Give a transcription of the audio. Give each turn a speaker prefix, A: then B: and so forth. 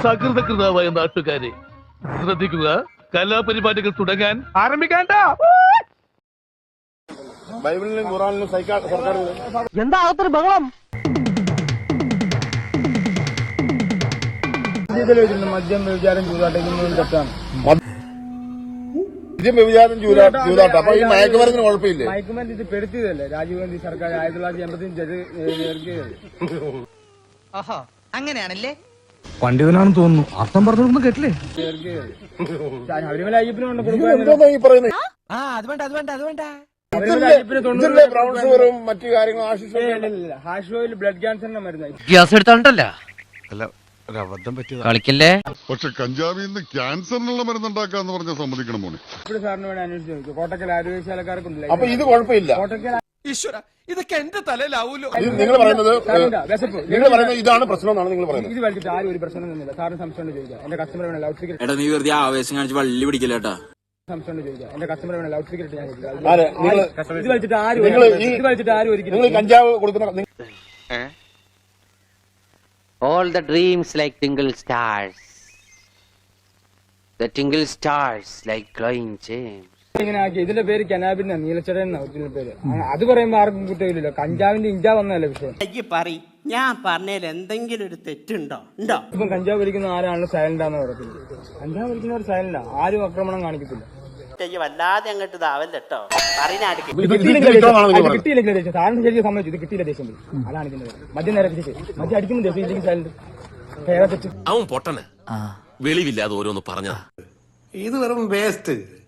A: സകൃതകൃതാവായ നാട്ടുകാരെ ശ്രദ്ധിക്കുക, കലാപരിപാടികൾ തുടങ്ങാൻ ആരംഭിക്കാണ്ട.
B: ബൈബിളിലും ഖുറാനിലും സർക്കാർ
C: എന്താ അകത്തൊരു ബഹളം?
B: മദ്യം വ്യഭിചാരം ചൂതാട്ടം തെറ്റാണ്. മദ്യം വ്യഭിചാരം ചൂതാട്ടം. അപ്പൊ ഈ മയക്കുമരുന്നിന് കുഴപ്പമില്ലേ? മയക്കുമരുന്ന് ഇത് പെടുത്തിയതല്ലേ രാജീവ് ഗാന്ധി സർക്കാർ 1985
C: അങ്ങനെയാണല്ലേ?
D: പണ്ഡിതനാണെന്ന് തോന്നുന്നു. അർത്ഥം പറഞ്ഞൊന്നും കേട്ടില്ലേ?
B: ശബരിമല അയ്യപ്പനും പറയുന്നത് മറ്റു കാര്യങ്ങളും ഹാഷ് ഓയിൽ ബ്ലഡ് ക്യാൻസറിന്റെ മരുന്നായി
C: ഗ്യാസ് എടുത്തോണ്ടല്ല കളിക്കല്ലേ.
E: പക്ഷെ കഞ്ചാവിൽ നിന്ന് ക്യാൻസറിനുള്ള മരുന്നുണ്ടാക്കാന്ന് പറഞ്ഞ സമ്മതിക്കണം മോനെ.
B: ഇവിടെ സാറിന് വേണ്ടി അന്വേഷിച്ചു കോട്ടക്കൽ ആരോഗ്യശാലക്കാർക്കുണ്ടല്ലോ. അപ്പൊ ഇത് കുഴപ്പമില്ല. കോട്ടക്കൽ
F: ഇതൊക്കെ എന്റെ തലയിലാവൂലോ.
B: നിങ്ങൾ പറയുന്നത് ഇതാണ് പ്രശ്നം എന്നാണ് നിങ്ങൾ പറയുന്നത്. ഇത് വലിച്ചിട്ട് ആരും ഒരു പ്രശ്നം തന്നില്ല. സാറിന് സംശയം ചോദിക്കാം. എന്റെ കസ്റ്റമർ വേണം ലൗഡ് സ്പീക്കർ.
G: എടാ നീ വെറുതെ ആവേശം കാണിച്ച് വള്ളി പിടിക്കില്ലേട്ടാ.
B: സംശയം ചോദിക്കാം. എന്റെ കസ്റ്റമർ വേണം ലൗഡ് സ്പീക്കർ. ഇത് വലിച്ചിട്ട് ആരും ഒരിക്കലും കഞ്ചാവ് കൊടുക്കുന്ന
C: All the dreams like tingle stars. The tingle stars like glowing gems.
B: ഇങ്ങനെ ആക്കി. ഇതിന്റെ പേര് കനാബിന്റെ നീലച്ചട എന്ന ഒറിജിനൽ പേര്. അത് പറയുമ്പോ ആർക്കും കുറ്റമില്ലല്ലോ. കഞ്ചാവിന്റെ ഇഞ്ചാ വന്നതല്ലേ വിഷയം.
H: ഞാൻ പറഞ്ഞതിൽ എന്തെങ്കിലും ഒരു തെറ്റുണ്ടോ?
B: ഇപ്പം കഞ്ചാവ് വലിക്കുന്ന ആരാണ് സൈലന്റാന്ന് പറയുന്നത്. കഞ്ചാവ് വലിക്കുന്നവർ സൈലന്റാ. ആരും ആക്രമണം കാണിക്കത്തില്ല.
H: വല്ലാതെ അങ്ങോട്ട് ഇതാവല്ലോ.
B: കിട്ടിയില്ലെങ്കിൽ സാറിന് ശരിക്കും സമ്മതിച്ചു. ഇത് കിട്ടിയില്ല ദേഷ്യം. അതാണ് ഇതിന്റെ മദ്യം നേരെ മദ്യം അടിക്കുമ്പോൾ ദേഷ്യം ഇല്ലെങ്കിൽ സൈലന്റ്.
F: അവൻ പൊട്ടന് വെളിവില്ലാതെ ഓരോന്ന് പറഞ്ഞതാ.
I: ഇത് വെറും വേസ്റ്റ്.